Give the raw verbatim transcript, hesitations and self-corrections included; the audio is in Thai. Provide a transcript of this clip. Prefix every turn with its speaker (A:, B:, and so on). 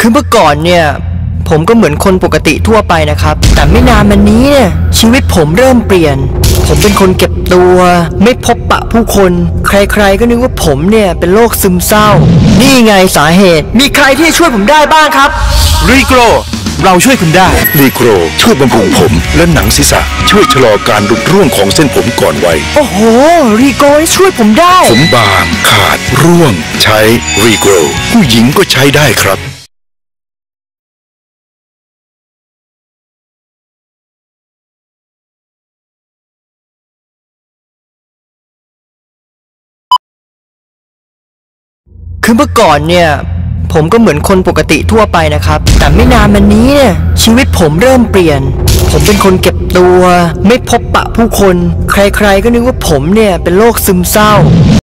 A: คือเมื่อก่อนเนี่ยผมก็เหมือนคนปกติทั่วไปนะครับแต่ไม่นานมานี้เนี่ยชีวิตผมเริ่มเปลี่ยนผมเป็นคนเก็บตัวไม่พบปะผู้คนใครๆก็นึกว่าผมเนี่ยเป็นโรคซึมเศร้านี่ไงสาเหตุมีใครที่ช่วยผมได้บ้างครับ
B: รีโกรเราช่วยคุณได้
C: รีโกรช่วยบำรุงผมและหนังศีรษะช่วยชะลอการหลุดร่วงของเส้นผมก่อนวัย
A: โอ้โหรีโกรช่วยผมได้
C: ผมบางขาดร่วงใช้รีโกรผู้หญิงก็ใช้ได้ครับ
A: คือเมื่อก่อนเนี่ยผมก็เหมือนคนปกติทั่วไปนะครับแต่ไม่นานมานี้เนี่ยชีวิตผมเริ่มเปลี่ยนผมเป็นคนเก็บตัวไม่พบปะผู้คนใครๆก็นึกว่าผมเนี่ยเป็นโรคซึมเศร้า